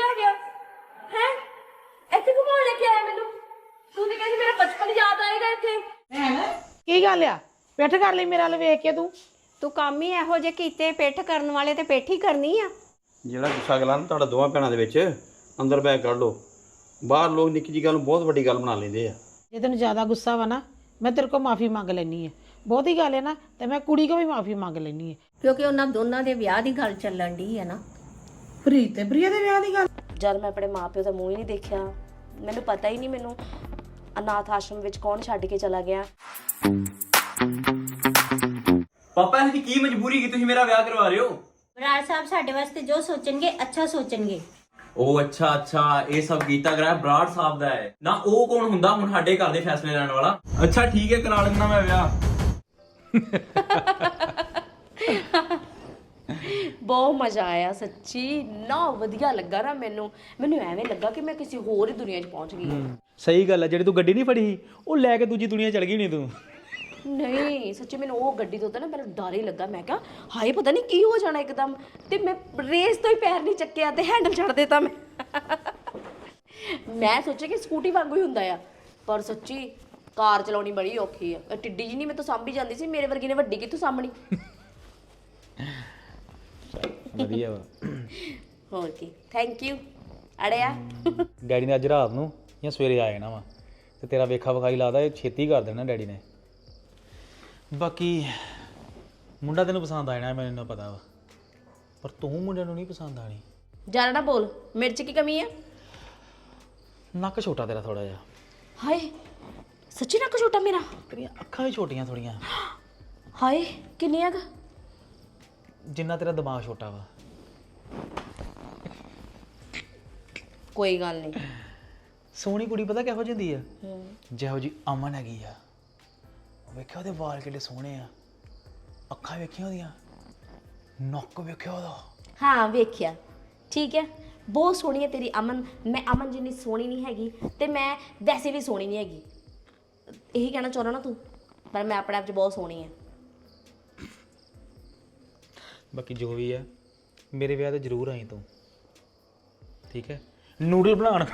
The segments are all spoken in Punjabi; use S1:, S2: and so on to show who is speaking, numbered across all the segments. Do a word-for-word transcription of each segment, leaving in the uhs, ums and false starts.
S1: ਲੈ ਗਿਆ ਹੈ ਇੱਥੇ ਘੁਮਾਉਣ ਲੈ ਕੇ ਆਇਆ ਮੈਨੂੰ ਤੂੰ ਤੇ ਕਹਿੰਦੀ ਮੇਰਾ ਬਚਪਨ ਯਾਦ ਆਏਗਾ ਇੱਥੇ
S2: ਕੀ ਗੱਲ ਆ ਪਿੱਠ ਕਰ ਲਈ ਮੇਰੇ ਵੱਲ ਵੇਖ ਕੇ ਤੂੰ
S3: ਤੂੰ ਕੰਮ ਹੀ ਇਹੋ ਜਿਹੇ ਕੀਤੇ ਪਿੱਠ ਕਰਨ ਵਾਲੇ ਤੇ ਪਿੱਠ ਹੀ ਕਰਨੀ ਆ।
S4: ਜਿਹੜਾ ਗੁੱਸਾ ਗਲਾ ਨਾ ਤੁਹਾਡਾ ਦੋਵਾਂ ਭੈਣਾਂ ਦੇ ਵਿੱਚ ਅੰਦਰ ਬੈਗ ਕੱਢ ਲਓ। ਬਾਹਰ ਲੋਕ ਨਿੱਕੀ ਜਿਹੀ ਗੱਲ ਨੂੰ ਬਹੁਤ ਵੱਡੀ ਗੱਲ ਬਣਾ ਲੈਂਦੇ ਆ।
S2: ਜੇ ਤੈਨੂੰ ਜ਼ਿਆਦਾ ਗੁੱਸਾ ਵਾ ਨਾ ਮੈਂ ਤੇਰੇ ਕੋਲ ਮਾਫੀ ਮੰਗ ਲੈਣੀ ਹੈ। ਬਹੁਤੀ ਗੱਲ ਹੈ ਨਾ ਤੇ ਮੈਂ ਕੁੜੀ ਕੋਲ ਵੀ ਮਾਫੀ ਮੰਗ ਲੈਣੀ ਹੈ
S3: ਕਿਉਂਕਿ ਉਹਨਾਂ ਦੋਨਾਂ ਦੇ ਵਿਆਹ ਦੀ ਗੱਲ ਚੱਲਣ ਢੀ ਹੈ ਨਾ।
S2: ਪ੍ਰੀਤ ਤੇ ਪ੍ਰਿਆ ਦੇ ਵਿਆਹ ਦੀ ਗੱਲ
S1: ਜਦ ਮੈਂ ਆਪਣੇ ਮਾਪਿਓ ਦਾ ਮੂੰਹ ਹੀ ਨਹੀਂ ਦੇਖਿਆ ਮੈਨੂੰ ਪਤਾ ਹੀ ਨਹੀਂ ਮੈਨੂੰ ਅਨਾਥ ਆਸ਼ਰਮ ਵਿੱਚ ਕੌਣ ਛੱਡ ਕੇ ਚਲਾ ਗਿਆ।
S5: ਪਾਪਾ ਇਹਦੀ ਕੀ ਮਜਬੂਰੀ ਕਿ ਤੁਸੀਂ ਮੇਰਾ ਵਿਆਹ ਕਰਵਾ ਰਹੇ ਹੋ?
S3: ਬਰਾੜ ਸਾਹਿਬ ਸਾਡੇ ਵਾਸਤੇ ਜੋ ਸੋਚਣਗੇ ਅੱਛਾ ਸੋਚਣਗੇ।
S5: ਉਹ ਅੱਛਾ ਅੱਛਾ ਇਹ ਸਭ ਕੀਤਾ ਕਰਾਇਆ ਬਰਾੜ ਸਾਹਿਬ ਦਾ ਹੈ ਨਾ। ਉਹ ਕੌਣ ਹੁੰਦਾ ਹੁਣ ਸਾਡੇ ਘਰ ਦੇ ਫੈਸਲੇ ਲੈਣ ਵਾਲਾ? ਅੱਛਾ ਠੀਕ ਹੈ ਕਰਾ ਲੈਂਦਾ ਮੈਂ ਵਿਆਹ।
S1: ਬਹੁਤ ਮਜ਼ਾ ਆਇਆ ਸੱਚੀ ਨਾ ਵਧੀਆ ਲੱਗਾ ਨਾ ਮੈਨੂੰ ਮੈਨੂੰ ਐਵੇਂ ਲੱਗਾ ਕਿ ਮੈਂ ਕਿਸੇ ਹੋਰ ਹੀ ਦੁਨੀਆ 'ਚ ਪਹੁੰਚ ਗਈ।
S6: ਸਹੀ ਗੱਲ ਹੈ। ਜਿਹੜੀ ਤੂੰ ਗੱਡੀ ਨਹੀਂ ਫੜੀ ਸੀ ਉਹ ਲੈ ਕੇ ਦੂਜੀ ਦੁਨੀਆ ਚਲ ਗਈ ਨਹੀਂ ਤੂੰ?
S1: ਨਹੀਂ ਸੱਚੀ ਮੈਨੂੰ ਉਹ ਗੱਡੀ ਤੋਂ ਤਾਂ ਨਾ ਮੈਨੂੰ ਡਰ ਹੀ ਲੱਗਾ। ਮੈਂ ਕਿਹਾ ਹਾਏ ਪਤਾ ਨਹੀਂ ਕੀ ਹੋ ਜਾਣਾ ਇੱਕਦਮ ਤੇ ਮੈਂ ਰੇਸ ਤੋਂ ਹੀ ਪੈਰ ਨਹੀਂ ਚੱਕਿਆ ਤੇ ਹੈਂਡਲ ਛੱਡ ਦਿੱਤਾ ਮੈਂ। ਮੈਂ ਸੋਚਿਆ ਕਿ ਸਕੂਟੀ ਵਾਂਗੂ ਹੀ ਹੁੰਦਾ ਆ ਪਰ ਸੱਚੀ ਕਾਰ ਚਲਾਉਣੀ ਬੜੀ ਔਖੀ ਆ। ਇਹ ਟਿੱਡੀ ਜੀ ਨਹੀਂ ਮੈਂ ਤਾਂ ਸਾਂਭੀ ਜਾਂਦੀ ਸੀ ਮੇਰੇ ਵਰਗੀ ਨੇ ਵੱਡੀ ਕਿੱਥੋਂ ਸਾਂਭਣੀ।
S6: ਵਧੀਆ ਵਾ।
S1: ਹੋਰ ਕੀ ਥੈਂਕ ਯੂ ਅੜਿਆ।
S6: ਡੈਡੀ ਨੇ ਅੱਜ ਰਾਤ ਨੂੰ ਜਾਂ ਸਵੇਰੇ ਆ ਜਾਣਾ ਵਾ ਤੇ ਤੇਰਾ ਵੇਖਾ ਵਿਖਾਈ ਲਾਦਾ ਇਹ ਛੇਤੀ ਕਰ ਦੇਣਾ ਡੈਡੀ ਨੇ। ਬਾਕੀ ਮੁੰਡਾ ਤੈਨੂੰ ਪਸੰਦ ਆ ਜਾਣਾ ਮੈਨੂੰ ਪਤਾ ਵਾ ਪਰ ਤੂੰ ਮੁੰਡੇ ਨੂੰ ਨਹੀਂ ਪਸੰਦ ਆਣੀ।
S1: ਜ਼ਿਆਦਾ ਨਾ ਬੋਲ ਮਿਰਚ ਕੀ ਕਮੀ ਆ?
S6: ਨੱਕ ਛੋਟਾ ਤੇਰਾ ਥੋੜਾ ਜਿਹਾ।
S1: ਹਾਏ ਸੱਚੀ ਨੱਕ ਛੋਟਾ ਮੇਰਾ?
S6: ਤੇਰੀਆਂ ਅੱਖਾਂ ਵੀ ਛੋਟੀਆਂ ਥੋੜੀਆਂ।
S1: ਹਾਏ ਕਿੰਨੀਆਂ ਕੁ?
S6: ਜਿੰਨਾ ਤੇਰਾ ਦਿਮਾਗ ਛੋਟਾ ਵਾ।
S1: ਕੋਈ ਗੱਲ ਨਹੀਂ।
S6: ਸੋਹਣੀ ਕੁੜੀ ਪਤਾ ਕਿਹੋ ਜਿਹੀ ਹੁੰਦੀ ਆ? ਜਿਹੋ ਜੀ ਅਮਨ ਹੈਗੀ ਆ। ਵੇਖਿਆ ਉਹਦੇ ਵਾਲ ਕਿੱਡੇ ਸੋਹਣੇ ਆ। ਅੱਖਾਂ ਵੇਖੀਆਂ ਉਹਦੀਆਂ ਨੱਕ ਵੇਖਿਆ ਉਹਦਾ।
S1: ਹਾਂ ਵੇਖਿਆ ਠੀਕ ਹੈ ਬਹੁਤ ਸੋਹਣੀ ਹੈ ਤੇਰੀ ਅਮਨ। ਮੈਂ ਅਮਨ ਜਿੰਨੀ ਸੋਹਣੀ ਨਹੀਂ ਹੈਗੀ ਤੇ ਮੈਂ ਵੈਸੇ ਵੀ ਸੋਹਣੀ ਨਹੀਂ ਹੈਗੀ ਇਹੀ ਕਹਿਣਾ ਚਾਹੁੰਦਾ ਨਾ ਤੂੰ ਪਰ ਮੈਂ ਆਪਣੇ ਆਪ 'ਚ ਬਹੁਤ ਸੋਹਣੀ ਹਾਂ।
S6: ਬਾਕੀ ਜੋ ਵੀ ਆ ਮੇਰੇ ਵਿਆਹ ਤੇ ਜ਼ਰੂਰ ਆਈ ਤੂੰ ਠੀਕ ਹੈ। ਨੂਡਲ ਬਣਾਉਣ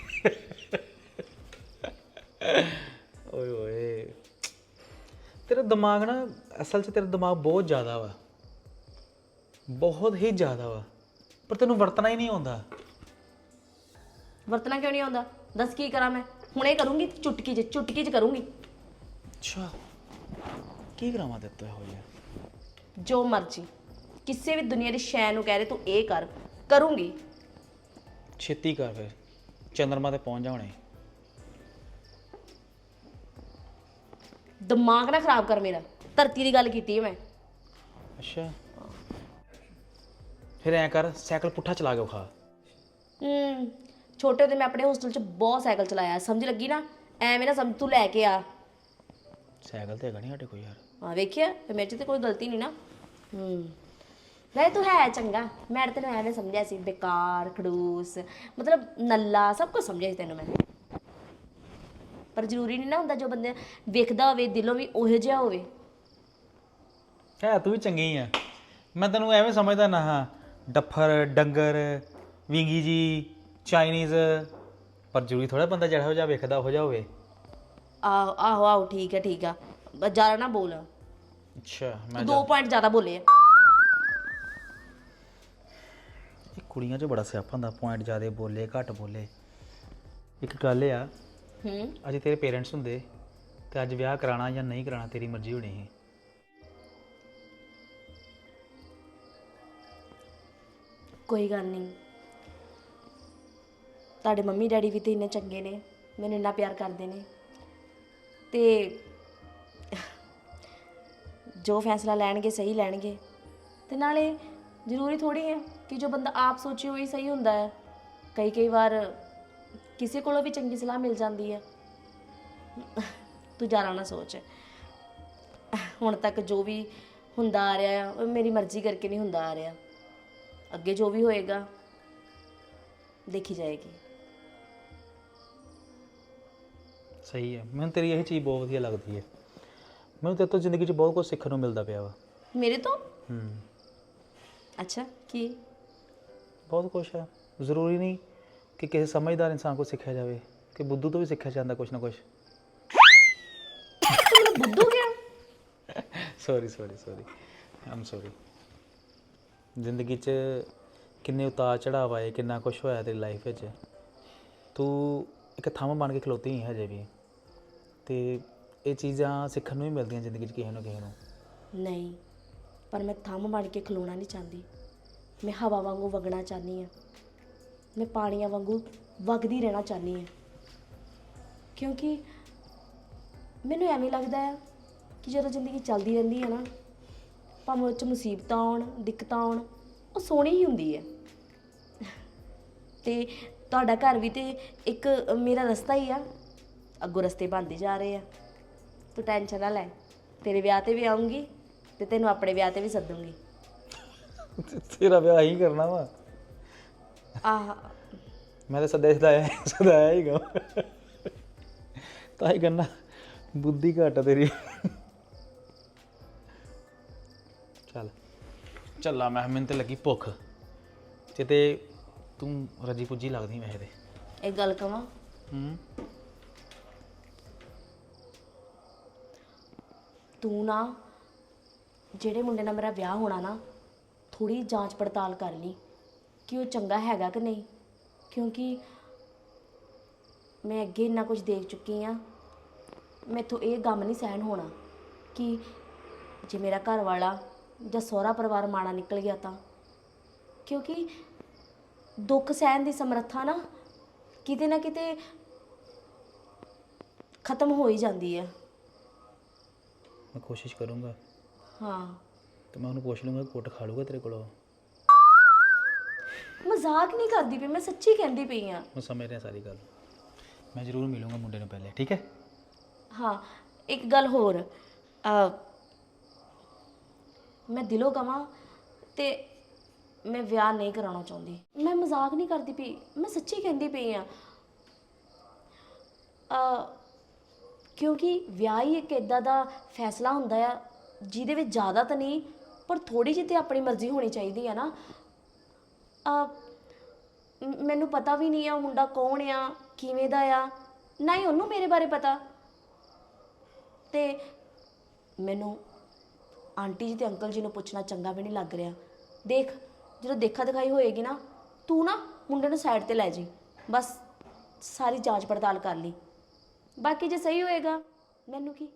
S6: ਓਏ ਓਏ ਤੇਰਾ ਦਿਮਾਗ ਨਾ ਅਸਲ 'ਚ ਤੇਰਾ ਦਿਮਾਗ ਬਹੁਤ ਜ਼ਿਆਦਾ ਵਾ ਬਹੁਤ ਹੀ ਜ਼ਿਆਦਾ ਵਾ ਪਰ ਤੈਨੂੰ ਵਰਤਣਾ ਹੀ ਨਹੀਂ ਆਉਂਦਾ।
S1: ਵਰਤਣਾ ਕਿਉਂ ਨਹੀਂ ਆਉਂਦਾ ਦੱਸ ਕੀ ਕਰਾਂ ਮੈਂ ਹੁਣੇ ਕਰੂੰਗੀ ਚੁਟਕੀ 'ਚ ਚੁਟਕੀ 'ਚ ਕਰੂੰਗੀ।
S6: ਅੱਛਾ ਕੀ ਕਰਾਵਾਂ ਤੇ ਤੂੰ ਇਹੋ ਜਿਹਾ?
S1: ਜੋ ਮਰਜ਼ੀ ਕਿਸੇ ਵੀ ਦੁਨੀਆ ਦੀ ਸ਼ੈ ਨੂੰ ਕਹਿ ਰਹੇ ਤੂੰ ਇਹ ਕਰ ਕਰੂੰਗੀ।
S6: ਛੇਤੀ ਕਰ ਫਿਰ ਚੰਦਰਮਾ ਤੇ ਪਹੁੰਚ ਜਾ ਹੁਣੇ।
S1: ਦਿਮਾਗ ਨਾ ਖਰਾਬ ਕਰ ਮੇਰਾ ਧਰਤੀ ਦੀ ਗੱਲ ਕੀਤੀ ਹੈ ਮੈਂ।
S6: ਅੱਛਾ ਫਿਰ ਐਂ ਕਰ ਸਾਈਕਲ ਪੁੱਠਾ ਚਲਾ ਕੇ ਖਾ।
S1: ਹੂੰ ਛੋਟੇ ਹੁੰਦੇ ਮੈਂ ਆਪਣੇ ਹੋਸਟਲ 'ਚ ਬਹੁਤ ਸਾਈਕਲ ਚਲਾਇਆ ਸਮਝ ਲੱਗੀ ਨਾ ਐਵੇਂ ਨਾ ਸਮਝ ਤੂੰ ਲੈ ਕੇ ਆ।
S6: ਸਾਈਕਲ ਤੇ ਹੈਗਾ ਨਹੀਂ ਸਾਡੇ ਕੋਈ ਯਾਰ।
S1: ਹਾਂ ਵੇਖਿਆ ਫਿਰ ਮੇਰੇ 'ਚ ਤੇ ਕੋਈ ਗਲਤੀ ਨਹੀਂ ਨਾ। ਹੂੰ ਨਹੀਂ ਤੂੰ ਹੈ ਚੰਗਾ ਮੈਂ ਤੈਨੂੰ ਐਵੇਂ ਸਮਝਿਆ ਸੀ ਬੇਕਾਰ ਖੜੂਸ ਮਤਲਬ ਨੱਲਾ ਸਭ ਕੁਝ ਸਮਝਿਆ ਸੀ ਤੈਨੂੰ ਮੈਂ ਪਰ ਜ਼ਰੂਰੀ ਨਹੀਂ ਨਾ ਹੁੰਦਾ ਜੋ ਬੰਦੇ ਵੇਖਦਾ ਹੋਵੇ ਦਿਲੋਂ ਵੀ ਉਹੋ ਜਿਹਾ ਹੋਵੇ।
S6: ਹੈ ਤੂੰ ਵੀ ਚੰਗੀ ਆ। ਮੈਂ ਤੈਨੂੰ ਐਵੇਂ ਸਮਝਦਾ ਨਾ ਹਾਂ ਡੱਫਰ ਡੰਗਰ ਵਿੰਗੀ ਜੀ ਚਾਈਨੀਜ਼ ਪਰ ਜ਼ਰੂਰੀ ਥੋੜਾ ਬੰਦਾ ਜਿਹੜਾ ਹੋ ਜਾ ਵੇਖਦਾ ਉਹ ਜਿਹਾ ਹੋਵੇ।
S1: ਆਹੋ ਆਹੋ ਆਹੋ ਠੀਕ ਹੈ ਠੀਕ ਆ ਬਸ ਜ਼ਿਆਦਾ ਨਾ ਬੋਲ।
S6: ਅੱਛਾ ਮੈਂ
S1: ਦੋ ਪੁਆਇੰਟ ਜ਼ਿਆਦਾ ਬੋਲੇ ਆ।
S6: ਇਹ ਕੁੜੀਆਂ 'ਚ ਬੜਾ ਸਿਆਪਾ ਹੁੰਦਾ ਪੁਆਇੰਟ ਜ਼ਿਆਦਾ ਬੋਲੇ ਘੱਟ ਬੋਲੇ। ਇੱਕ ਗੱਲ ਆ
S1: ਹੂੰ
S6: ਅੱਜ ਤੇਰੇ ਪੇਰੈਂਟਸ ਹੁੰਦੇ ਤੇ ਅੱਜ ਵਿਆਹ ਕਰਾਉਣਾ ਜਾਂ ਨਹੀਂ ਕਰਾਉਣਾ ਤੇਰੀ ਮਰਜ਼ੀ ਹੋਣੀ ਸੀ।
S1: ਕੋਈ ਗੱਲ ਨਹੀਂ ਤੁਹਾਡੇ ਮੰਮੀ ਡੈਡੀ ਵੀ ਤੇ ਇੰਨੇ ਚੰਗੇ ਨੇ ਮੈਨੂੰ ਇੰਨਾ ਪਿਆਰ ਕਰਦੇ ਨੇ ਤੇ ਜੋ ਫੈਸਲਾ ਲੈਣਗੇ ਸਹੀ ਲੈਣਗੇ ਤੇ ਨਾਲੇ ਜ਼ਰੂਰੀ ਥੋੜੀ ਹੈ ਕਿ ਜੋ ਬੰਦਾ ਆਪ ਸੋਚੇ ਉਹੀ ਸਹੀ ਹੁੰਦਾ ਹੈ। ਕਈ ਕਈ ਵਾਰ ਕਿਸੇ ਕੋਲੋਂ ਵੀ ਚੰਗੀ ਸਲਾਹ ਮਿਲ ਜਾਂਦੀ ਹੈ। ਤੂੰ ਜ਼ਿਆਦਾ ਨਾ ਸੋਚ ਹੁਣ ਤੱਕ ਜੋ ਵੀ ਹੁੰਦਾ ਆ ਰਿਹਾ ਉਹ ਮੇਰੀ ਮਰਜ਼ੀ ਕਰਕੇ ਨਹੀਂ ਹੁੰਦਾ ਆ ਰਿਹਾ ਅੱਗੇ ਜੋ ਵੀ ਹੋਏਗਾ ਦੇਖੀ ਜਾਏਗੀ।
S6: ਸਹੀ ਹੈ ਮੈਨੂੰ ਤੇਰੀ ਇਹ ਚੀਜ਼ ਬਹੁਤ ਵਧੀਆ ਲੱਗਦੀ ਹੈ। ਮੈਨੂੰ ਤੇਰੇ ਤੋਂ ਜ਼ਿੰਦਗੀ 'ਚ ਬਹੁਤ ਕੁਝ ਸਿੱਖਣ ਨੂੰ ਮਿਲਦਾ ਪਿਆ ਵਾ।
S1: ਮੇਰੇ ਤੋਂ?
S6: ਹੂੰ
S1: ਅੱਛਾ ਕੀ?
S6: ਬਹੁਤ ਕੁਛ ਹੈ। ਜ਼ਰੂਰੀ ਨਹੀਂ ਕਿ ਕਿਸੇ ਸਮਝਦਾਰ ਇਨਸਾਨ ਕੋਲ ਸਿੱਖਿਆ ਜਾਵੇ, ਕਿ ਬੁੱਧੂ ਤੋਂ ਵੀ ਸਿੱਖਿਆ ਜਾਂਦਾ ਕੁਛ ਨਾ ਕੁਛ।
S1: ਬੁੱਧੂ ਗਿਆ?
S6: Sorry sorry sorry I'm sorry. ਜ਼ਿੰਦਗੀ 'ਚ ਕਿੰਨੇ ਉਤਾਰ ਚੜਾਵ ਆਏ, ਕਿੰਨਾ ਕੁਛ ਹੋਇਆ ਤੇਰੀ ਲਾਈਫ ਵਿੱਚ। ਤੂੰ ਇੱਕ ਥੰਮ ਬਣ ਕੇ ਖਲੋਤੀ ਹੈ ਹਜੇ ਵੀ, ਤੇ ਇਹ ਚੀਜ਼ਾਂ ਸਿੱਖਣ ਨੂੰ ਵੀ ਮਿਲਦੀਆਂ ਜ਼ਿੰਦਗੀ 'ਚ ਕਿਸੇ ਨੂੰ ਕਿਸੇ ਨੂੰ।
S1: ਨਹੀਂ, ਪਰ ਮੈਂ ਥੰਮ ਬਣ ਕੇ ਖਲੋਣਾ ਨਹੀਂ ਚਾਹੁੰਦੀ। ਮੈਂ ਹਵਾ ਵਾਂਗੂ ਵਗਣਾ ਚਾਹੁੰਦੀ ਹਾਂ। ਮੈਂ ਪਾਣੀਆਂ ਵਾਂਗੂ ਵਗਦੀ ਰਹਿਣਾ ਚਾਹੁੰਦੀ ਹਾਂ, ਕਿਉਂਕਿ ਮੈਨੂੰ ਐਵੇਂ ਲੱਗਦਾ ਹੈ ਕਿ ਜਦੋਂ ਜ਼ਿੰਦਗੀ ਚੱਲਦੀ ਰਹਿੰਦੀ ਹੈ ਨਾ, ਭਾਵੇਂ ਉਹ 'ਚ ਮੁਸੀਬਤਾਂ ਆਉਣ, ਦਿੱਕਤਾਂ ਆਉਣ, ਉਹ ਸੋਹਣੀ ਹੀ ਹੁੰਦੀ ਹੈ। ਤੇ ਤੁਹਾਡਾ ਘਰ ਵੀ ਤੇ ਇੱਕ ਮੇਰਾ ਰਸਤਾ ਹੀ ਆ, ਅੱਗੋਂ ਰਸਤੇ ਬਣਦੇ ਜਾ ਰਹੇ ਆ। ਤੂੰ ਟੈਨਸ਼ਨ ਨਾ ਲੈ, ਤੇਰੇ ਵਿਆਹ ਤੇ ਵੀ ਆਉਂਗੀ ਤੇ ਤੈਨੂੰ ਆਪਣੇ ਵਿਆਹ ਤੇ ਵੀ ਸੱਦੂੰਗੀ।
S6: ਤੇਰਾ ਵਿਆਹ ਹੀ ਕਰਨਾ ਵਾ?
S1: ਆਹ
S6: ਮੈਂ ਤਾਂ ਸਦਾ ਸਦਾਇਆ ਸਦਾਇਆ ਹੀ ਗਾ, ਤਾਂ ਹੀ ਕਰਨਾ। ਬੁੱਧੀ ਘੱਟ ਆ ਤੇਰੀ। ਚੱਲ ਚੱਲਾ ਮੈਂ, ਮੈਨੂੰ ਤੇ ਲੱਗੀ ਭੁੱਖ, ਤੇ ਤੇ ਤੂੰ ਰੱਜੀ ਪੁੱਜੀ ਲੱਗਦੀ ਵੈਸੇ ਤੇ।
S1: ਇੱਕ ਗੱਲ ਕਵਾਂ,
S6: ਹੂੰ
S1: ਤੂੰ ਨਾ ਜਿਹੜੇ ਮੁੰਡੇ ਨਾਲ ਮੇਰਾ ਵਿਆਹ ਹੋਣਾ ਨਾ, ਥੋੜੀ ਜਾਂਚ ਪੜਤਾਲ ਕਰ ਲਈ ਕਿ ਉਹ ਚੰਗਾ ਹੈਗਾ ਕਿ ਨਹੀਂ, ਕਿਉਂਕਿ ਮੈਂ ਅੱਗੇ ਇੰਨਾ ਕੁਝ ਦੇਖ ਚੁੱਕੀ ਆ। ਮੈਥੋਂ ਇਹ ਗਮ ਨਹੀਂ ਸਹਿਣ ਹੋਣਾ ਕਿ ਜੇ ਮੇਰਾ ਘਰ ਵਾਲਾ ਜਾਂ ਸਹੁਰਾ ਪਰਿਵਾਰ ਮਾੜਾ ਨਿਕਲ ਗਿਆ ਤਾਂ, ਕਿਉਂਕਿ ਦੁੱਖ ਸਹਿਣ ਦੀ ਸਮਰੱਥਾ ਨਾ ਕਿਤੇ ਨਾ ਕਿਤੇ ਖਤਮ ਹੋ ਹੀ ਜਾਂਦੀ ਹੈ।
S6: ਮੈਂ ਕੋਸ਼ਿਸ਼ ਕਰੂੰਗਾ।
S1: ਹਾਂ,
S6: ਤੇ ਮੈਂ ਉਹਨੂੰ ਪੁੱਛ ਲੂੰਗਾ, ਕੁੱਟ ਖਾ ਲੂਗਾ ਤੇਰੇ ਕੋਲੋਂ।
S1: ਮਜ਼ਾਕ ਨਹੀਂ ਕਰਦੀ ਪਈ, ਮੈਂ ਸੱਚੀ ਕਹਿੰਦੀ ਪਈ ਆ।
S6: ਮੈਂ ਸਮਝ ਰਿਹਾ ਸਾਰੀ ਗੱਲ। ਮੈਂ ਜ਼ਰੂਰ ਮਿਲੂੰਗਾ ਮੁੰਡੇ ਨੂੰ ਪਹਿਲੇ, ਠੀਕ ਹੈ?
S1: ਹਾਂ, ਇੱਕ ਗੱਲ ਹੋਰ, ਅ, ਮੈਂ ਦਿਲੋਂ ਕਵਾਂ ਤੇ ਮੈਂ ਵਿਆਹ ਨਹੀਂ ਕਰਾਉਣਾ ਚਾਹੁੰਦੀ। ਮੈਂ ਮਜ਼ਾਕ ਨਹੀਂ ਕਰਦੀ ਪਈ, ਮੈਂ ਸੱਚੀ ਕਹਿੰਦੀ ਪਈ ਆ। ਕਿਉਂਕਿ ਵਿਆਹ ਹੀ ਇੱਕ ਇੱਦਾਂ ਦਾ ਫੈਸਲਾ ਹੁੰਦਾ ਆ ਜਿਹਦੇ ਵਿੱਚ ਜ਼ਿਆਦਾ ਤਾਂ ਨਹੀਂ, ਪਰ ਥੋੜੀ ਜਿਹੀ ਤੇ ਆਪਣੀ ਮਰਜ਼ੀ ਹੋਣੀ ਚਾਹੀਦੀ ਆ ਨਾ। ਅ, ਮ- ਮੈਨੂੰ ਪਤਾ ਵੀ ਨਹੀਂ ਆ ਉਹ ਮੁੰਡਾ ਕੌਣ ਆ, ਕਿਵੇਂ ਦਾ ਆ, ਨਾ ਹੀ ਉਹਨੂੰ ਮੇਰੇ ਬਾਰੇ ਪਤਾ। ਤੇ ਮੈਨੂੰ ਆਂਟੀ ਜੀ ਤੇ ਅੰਕਲ ਜੀ ਨੂੰ ਪੁੱਛਣਾ ਚੰਗਾ ਵੀ ਨਹੀਂ ਲੱਗ ਰਿਹਾ। ਦੇਖ, ਜਦੋਂ ਦੇਖਾ ਦਿਖਾਈ ਹੋਏਗੀ ਨਾ, ਤੂੰ ਨਾ ਮੁੰਡੇ ਨੂੰ ਸਾਈਡ ਤੇ ਲੈ ਜੀ, ਬਸ ਸਾਰੀ ਜਾਂਚ ਪੜਤਾਲ ਕਰ ਲਈ। ਬਾਕੀ ਜੇ ਸਹੀ ਹੋਏਗਾ, ਮੈਨੂੰ ਕੀ,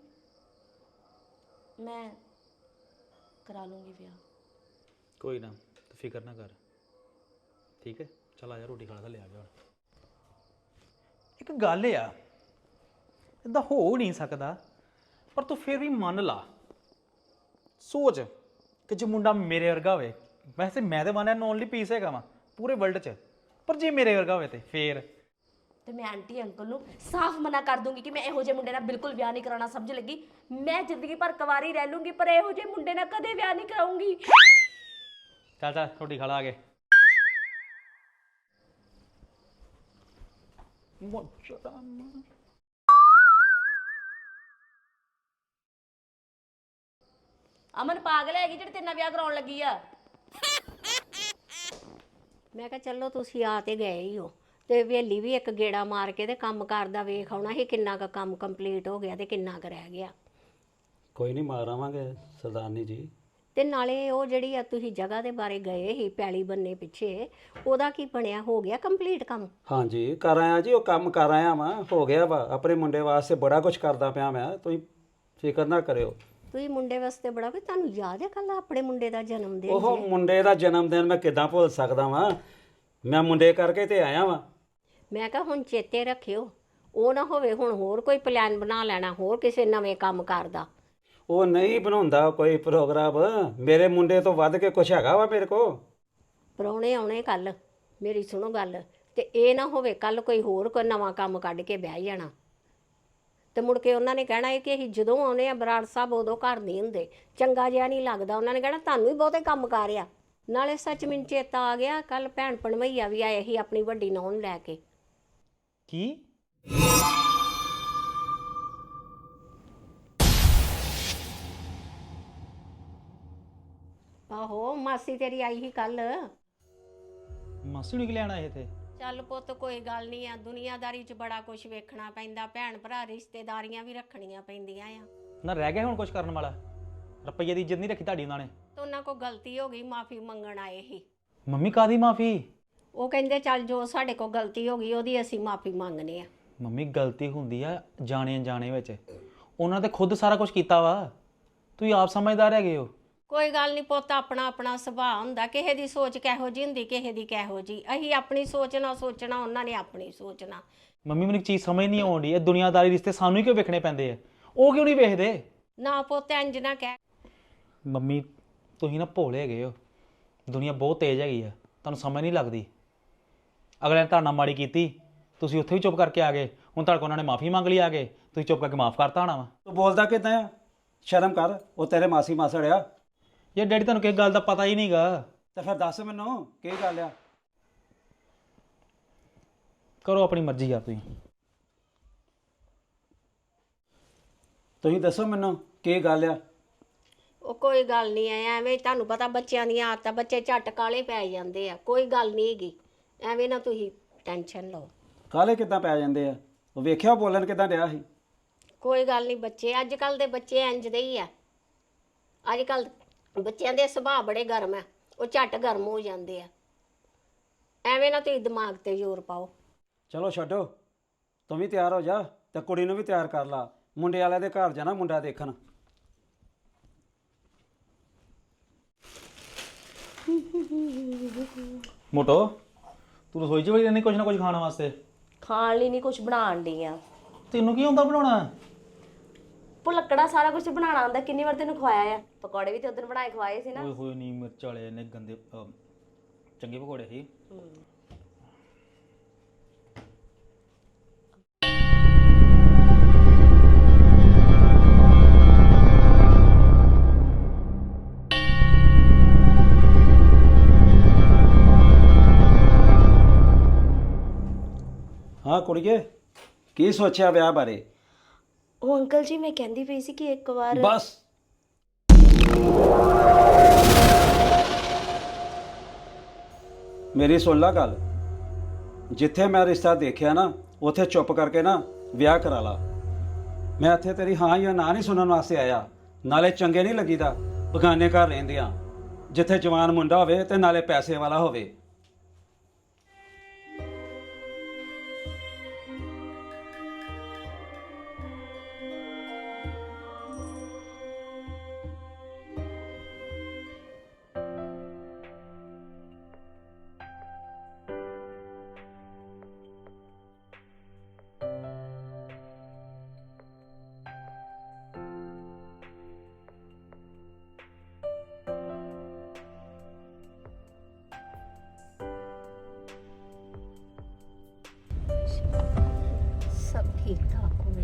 S1: ਮੈਂ ਕਰਾ ਲੂੰਗੀ ਵਿਆਹ।
S6: ਕੋਈ ਨਾ, ਤੂੰ ਫਿਕਰ ਨਾ ਕਰ, ਠੀਕ ਹੈ? ਚੱਲ ਆ ਜਾ, ਰੋਟੀ ਖਾ ਲੈ ਆ ਜਾ।
S5: ਇੱਕ ਗੱਲ ਆ, ਇਦਾਂ ਹੋ ਨਹੀਂ ਸਕਦਾ, ਪਰ ਤੂੰ ਫਿਰ ਵੀ ਮੰਨ ਲਾ। ਸੋਚ ਕਿ ਜੇ ਮੁੰਡਾ ਮੇਰੇ ਵਰਗਾ ਹੋਵੇ, ਵੈਸੇ ਮੈਂ ਤਾਂ ਵਨ ਐਂਡ ਓਨਲੀ ਪੀਸ ਹੈਗਾ ਵਾਂ ਪੂਰੇ ਵਰਲਡ 'ਚ, ਪਰ ਜੇ ਮੇਰੇ ਵਰਗਾ ਹੋਵੇ ਤੇ ਫੇਰ
S1: ਤੇ ਮੈਂ ਆਂਟੀ ਅੰਕਲ ਨੂੰ ਸਾਫ਼ ਮਨਾ ਕਰ ਦੂੰਗੀ ਕਿ ਮੈਂ ਇਹੋ ਜਿਹੇ ਮੁੰਡੇ ਨਾਲ ਬਿਲਕੁਲ ਵਿਆਹ ਨਹੀਂ ਕਰਾਉਣਾ। ਸਮਝ ਲੱਗੀ? ਮੈਂ ਜ਼ਿੰਦਗੀ ਭਰ ਕੁਆਰੀ ਰਹਿ ਲੂੰਗੀ, ਪਰ ਇਹੋ ਜਿਹੇ ਮੁੰਡੇ ਨਾਲ ਕਦੇ ਵਿਆਹ ਨਹੀਂ ਕਰਾਉਂਗੀ।
S5: ਚੱਲ ਚੱਲ ਰੋਟੀ ਖਾ ਲਾ ਆ ਕੇ।
S1: ਅਮਨ ਪਾਗਲ ਹੈਗੀ ਜਿਹੜੀ ਤੇਰੇ ਨਾਲ ਵਿਆਹ ਕਰਾਉਣ ਲੱਗੀ ਆ।
S3: ਮੈਂ ਕਿਹਾ ਚਲੋ ਤੁਸੀਂ ਆ ਤੇ ਗਏ ਹੀ ਹੋ, ਤੇ ਵੇਲੀ ਵੀ ਇੱਕ ਗੇੜਾ ਮਾਰ ਕੇ ਤੇ ਕੰਮ ਕਰਦਾ ਵੇਖ ਆਉਣਾ ਸੀ ਕਿੰਨਾ ਕੁ ਕੰਮ ਕੰਪਲੀਟ ਹੋ ਗਿਆ ਤੇ ਕਿੰਨਾ ਕੁ ਰਹਿ ਗਿਆ।
S4: ਕੋਈ ਨਹੀਂ, ਮਾਰ ਆਵਾਂਗੇ ਸਰਦਾਰਨੀ ਜੀ।
S3: ਤੇ ਨਾਲੇ ਉਹ ਜਿਹੜੀ ਆ ਤੁਸੀਂ ਜਗ੍ਹਾ ਦੇ ਬਾਰੇ ਗਏ ਸੀ ਪੈਲੀ ਬੰਨੇ ਪਿੱਛੇ, ਉਹਦਾ ਕੀ ਬਣਿਆ? ਹੋ ਗਿਆ ਕੰਪਲੀਟ ਕੰਮ?
S4: ਹਾਂਜੀ, ਕਰ ਆਇਆ ਜੀ, ਉਹ ਕੰਮ ਕਰ ਆਇਆ ਵਾਂ, ਹੋ ਗਿਆ ਵਾ। ਆਪਣੇ ਮੁੰਡੇ ਵਾਸਤੇ ਬੜਾ ਕੁਝ ਕਰਦਾ ਪਿਆ ਮੈਂ, ਤੁਸੀਂ ਫਿਕਰ ਨਾ ਕਰਿਓ।
S3: ਤੁਸੀਂ ਮੁੰਡੇ ਵਾਸਤੇ ਬੜਾ, ਵੀ ਤੁਹਾਨੂੰ ਯਾਦ ਹੈ ਕੱਲ ਆਪਣੇ ਮੁੰਡੇ ਦਾ ਜਨਮ ਦਿਨ
S4: ਉਹ
S3: ਸੀ?
S4: ਮੁੰਡੇ ਦਾ ਜਨਮ ਦਿਨ ਮੈਂ ਕਿੱਦਾਂ ਭੁੱਲ ਸਕਦਾ ਵਾਂ? ਮੈਂ ਮੁੰਡੇ ਕਰਕੇ ਤੇ ਆਇਆ ਵਾਂ।
S3: ਮੈਂ ਕਿਹਾ ਹੁਣ ਚੇਤੇ ਰੱਖਿਓ, ਉਹ ਨਾ ਹੋਵੇ ਹੁਣ ਹੋਰ ਕੋਈ ਪਲਾਨ ਬਣਾ ਲੈਣਾ ਹੋਰ ਕਿਸੇ ਨਵੇਂ ਕੰਮ ਕਰਦਾ।
S4: ਉਹ ਨਹੀਂ ਬਣਾਉਂਦਾ ਕੋਈ ਪ੍ਰੋਗਰਾਮ, ਮੇਰੇ ਮੁੰਡੇ ਤੋਂ ਵੱਧ ਕੇ ਕੁਛ ਹੈਗਾ ਵਾ ਮੇਰੇ ਕੋ।
S3: ਪ੍ਰਾਹੁਣੇ ਆਉਣੇ ਕੱਲ, ਮੇਰੀ ਸੁਣੋ ਗੱਲ, ਤੇ ਇਹ ਨਾ ਹੋਵੇ ਕੱਲ ਕੋਈ ਹੋਰ ਕੋਈ ਨਵਾਂ ਕੰਮ ਕੱਢ ਕੇ ਬਹਿ ਜਾਣਾ, ਤੇ ਮੁੜ ਕੇ ਉਹਨਾਂ ਨੇ ਕਹਿਣਾ ਹੈ ਕਿ ਅਸੀਂ ਜਦੋਂ ਆਉਨੇ ਆ ਬਰਾੜ ਸਾਹਿਬ ਉਦੋਂ ਘਰ ਨਹੀਂ ਹੁੰਦੇ, ਚੰਗਾ ਜਿਹਾ ਨਹੀਂ ਲੱਗਦਾ। ਉਹਨਾਂ ਨੇ ਕਹਿਣਾ ਤੁਹਾਨੂੰ ਹੀ ਬਹੁਤੇ ਕੰਮ ਕਰ ਆ। ਨਾਲੇ ਸੱਚ ਮੈਨੂੰ ਚੇਤਾ ਆ ਗਿਆ, ਕੱਲ ਭੈਣ ਭਣਵਈਆ ਵੀ ਆਏ ਸੀ ਆਪਣੀ ਵੱਡੀ ਨੂੰਹ ਨੂੰ ਲੈ ਕੇ।
S5: ਕੀ?
S3: ਆਹੋ, ਮਾਸੀ ਤੇਰੀ ਆਈ ਸੀ ਕੱਲ।
S6: ਮਾਸੀ ਨੂੰ ਕਿ ਲੈਣਾ ਇਹ ਇੱਥੇ?
S3: ਚੱਲ ਪੁੱਤ ਕੋਈ ਗੱਲ ਨਹੀਂ ਆ, ਦੁਨੀਆਦਾਰੀ 'ਚ ਬੜਾ ਕੁਝ ਵੇਖਣਾ ਪੈਂਦਾ, ਭੈਣ ਭਰਾ ਰਿਸ਼ਤੇਦਾਰੀਆਂ ਵੀ ਰੱਖਣੀਆਂ ਪੈਂਦੀਆਂ ਆ।
S6: ਨਾ ਰਹਿ ਗਿਆ ਹੁਣ ਕੁਝ ਕਰਨ ਵਾਲਾ? ਰੁਪਈਏ ਦੀ ਇੱਜ਼ਤ ਨਹੀਂ ਰੱਖੀ ਤੁਹਾਡੀ ਉਹਨਾਂ ਨੇ।
S3: ਤੇ ਉਹਨਾਂ ਕੋਲ ਗਲਤੀ ਹੋ ਗਈ, ਮਾਫੀ ਮੰਗਣ ਆਏ ਸੀ।
S6: ਮੰਮੀ ਕਾਦੀ ਮਾਫੀ?
S3: ਉਹ ਕਹਿੰਦੇ ਚੱਲ ਜੋ ਸਾਡੇ ਕੋਲ ਗਲਤੀ ਹੋ ਗਈ ਉਹਦੀ ਅਸੀਂ ਮਾਫੀ ਮੰਗਨੇ ਆ।
S6: ਮੰਮੀ ਗਲਤੀ ਹੁੰਦੀ ਆ ਜਾਣੇ ਅਣਜਾਣੇ ਵਿੱਚ, ਉਹਨਾਂ ਤੇ ਖੁਦ ਸਾਰਾ ਕੁਝ ਕੀਤਾ ਵਾ, ਤੁਸੀਂ ਆਪ ਸਮਝਦਾਰ ਹੈਗੇ ਹੋ।
S3: ਕੋਈ ਗੱਲ ਨਹੀਂ ਪੁੱਤ, ਆਪਣਾ ਆਪਣਾ ਸੁਭਾਅ ਹੁੰਦਾ, ਕਿਸੇ ਦੀ ਸੋਚ ਕਿਹੋ ਜਿਹੀ ਹੁੰਦੀ, ਕਿਸੇ ਦੀ ਕਿਹੋ ਜਿਹੀ। ਅਸੀਂ ਆਪਣੀ ਸੋਚਣਾ ਸੋਚਣਾ, ਉਹਨਾਂ ਨੇ ਆਪਣੀ ਸੋਚਣਾ।
S6: ਮੰਮੀ ਮੈਨੂੰ ਇੱਕ ਚੀਜ਼ ਸਮਝ ਨਹੀਂ ਆਉਂਦੀ, ਇਹ ਦੁਨੀਆਦਾਰੀ ਰਿਸ਼ਤੇ ਸਾਨੂੰ ਹੀ ਕਿਉਂ ਵੇਖਣੇ ਪੈਂਦੇ ਆ, ਉਹ ਕਿਉਂ ਨਹੀਂ ਵੇਖਦੇ?
S3: ਨਾ ਪੁੱਤ ਇੰਜ ਨਾ ਕਹਿ।
S6: ਮੰਮੀ ਤੁਸੀਂ ਨਾ ਭੋਲੇ ਹੈਗੇ ਹੋ, ਦੁਨੀਆ ਬਹੁਤ ਤੇਜ਼ ਹੈਗੀ ਆ, ਤੁਹਾਨੂੰ ਸਮਝ ਨਹੀਂ ਲੱਗਦੀ। ਅਗਲੇ ਨੇ ਤੁਹਾਡੇ ਨਾਲ ਮਾੜੀ ਕੀਤੀ, ਤੁਸੀਂ ਉੱਥੇ ਵੀ ਚੁੱਪ ਕਰਕੇ ਆ ਗਏ, ਹੁਣ ਤੁਹਾਡੇ ਕੋਲ ਉਹਨਾਂ ਨੇ ਮਾਫੀ ਮੰਗ ਲਈ ਆ ਕੇ, ਤੁਸੀਂ ਚੁੱਪ ਕਰਕੇ ਮਾਫ ਕਰਤਾ ਹੋਣਾ ਵਾ।
S7: ਤੂੰ ਬੋਲਦਾ ਕਿੱਦਾਂ ਆ? ਸ਼ਰਮ ਕਰ, ਉਹ ਤੇਰੇ ਮਾਸੀ ਮਾਸੜ ਆ।
S6: ਯਾਰ ਡੈਡੀ ਤੁਹਾਨੂੰ ਕਿਸ ਗੱਲ ਦਾ ਪਤਾ ਹੀ ਨਹੀਂਗਾ।
S7: ਤੇ ਫਿਰ ਦੱਸ ਮੈਨੂੰ ਕੀ ਗੱਲ ਆ?
S6: ਕਰੋ ਆਪਣੀ ਮਰਜ਼ੀ ਯਾਰ, ਤੁਸੀਂ
S7: ਤੁਸੀਂ ਦੱਸੋ ਮੈਨੂੰ ਕੀ ਗੱਲ ਆ?
S3: ਉਹ ਕੋਈ ਗੱਲ ਨਹੀਂ ਐ, ਐਵੇਂ ਤੁਹਾਨੂੰ ਪਤਾ ਬੱਚਿਆਂ ਦੀਆਂ ਆਦਤਾਂ, ਬੱਚੇ ਝੱਟ ਕਾਲੇ ਪੈ ਜਾਂਦੇ ਆ। ਕੋਈ ਗੱਲ ਨਹੀਂ ਹੈਗੀ, ਐਵੇਂ ਨਾ ਤੁਸੀਂ ਟੈਨਸ਼ਨ ਲਓ।
S7: ਕਾਲੇ ਕਿੱਦਾਂ ਪੈ ਜਾਂਦੇ ਆ? ਉਹ ਵੇਖਿਆ ਬੋਲਣ ਕਿੱਦਾਂ ਡਿਆ ਸੀ?
S3: ਕੋਈ ਗੱਲ ਨਹੀਂ, ਬੱਚੇ ਅੱਜ ਕੱਲ ਦੇ ਬੱਚੇ ਇੰਜ ਦੇ ਹੀ ਆ। ਅੱਜ ਕੱਲ ਬੱਚਿਆਂ ਦੇ ਸੁਭਾਅ ਬੜੇ ਗਰਮ ਆ, ਉਹ ਝੱਟ ਗਰਮ ਹੋ ਜਾਂਦੇ ਆ। ਐਵੇਂ ਨਾ ਤੁਸੀਂ ਦਿਮਾਗ ਤੇ ਜ਼ੋਰ ਪਾਓ।
S7: ਚਲੋ ਛੱਡੋ, ਤੂੰ ਵੀ ਤਿਆਰ ਹੋ ਜਾ ਤੇ ਕੁੜੀ ਨੂੰ ਵੀ ਤਿਆਰ ਕਰ ਲਾ, ਮੁੰਡੇ ਵਾਲਿਆਂ ਦੇ ਘਰ ਜਾਣਾ ਮੁੰਡਾ ਦੇਖਣ।
S6: ਮੋਟੋ ਤੂੰ ਰਸੋਈ 'ਚ ਵੜੀ ਰਹਿੰਦੀ ਕੁਝ ਨਾ ਕੁਝ ਖਾਣ ਵਾਸਤੇ।
S1: ਖਾਣ ਲਈ ਨਹੀਂ ਕੁਝ ਬਣਾਉਣ ਡਈ ਆ।
S6: ਤੈਨੂੰ ਕੀ ਹੁੰਦਾ ਬਣਾਉਣਾ?
S1: ਭੁਲੱਕੜਾ ਸਾਰਾ ਕੁਝ ਬਣਾਉਣਾ ਆਉਂਦਾ। ਕਿੰਨੀ ਵਾਰ ਤੈਨੂੰ ਖਵਾਇਆ ਆ? ਪਕੌੜੇ ਵੀ ਤੇ ਉਦੋਂ ਬਣਾਏ ਖਵਾਏ ਸੀ ਨਾ।
S6: ਓਏ ਹੋਏ ਨੀ ਮਿਰਚ ਵਾਲੇ ਨੇ ਗੰਦੇ ਅਹ, ਚੰਗੇ ਪਕੌੜੇ ਸੀ।
S7: ਹਾਂ ਕੁੜੀਏ, ਕੀ ਸੋਚਿਆ ਵਿਆਹ ਬਾਰੇ?
S1: ਉਹ ਅੰਕਲ ਜੀ, ਮੈਂ ਕਹਿੰਦੀ ਪਈ ਸੀ ਕਿ ਇੱਕ ਵਾਰ
S7: ਬਸ ਮੇਰੀ ਸੁਣ ਲਾ ਗੱਲ। ਜਿੱਥੇ ਮੈਂ ਰਿਸ਼ਤਾ ਦੇਖਿਆ ਨਾ, ਉੱਥੇ ਚੁੱਪ ਕਰਕੇ ਨਾ ਵਿਆਹ ਕਰਾ ਲਾ। ਮੈਂ ਇੱਥੇ ਤੇਰੀ ਹਾਂ ਜਾਂ ਨਾ ਨਹੀਂ ਸੁਣਨ ਵਾਸਤੇ ਆਇਆ। ਨਾਲੇ ਚੰਗੇ ਨਹੀਂ ਲੱਗੀਦਾ ਬਗਾਨੇ ਘਰ ਰਹਿੰਦਿਆਂ, ਜਿੱਥੇ ਜਵਾਨ ਮੁੰਡਾ ਹੋਵੇ ਤੇ ਨਾਲੇ ਪੈਸੇ ਵਾਲਾ ਹੋਵੇ।
S3: ਸਭ ਠੀਕ ਠਾਕ ਹੋਵੇ।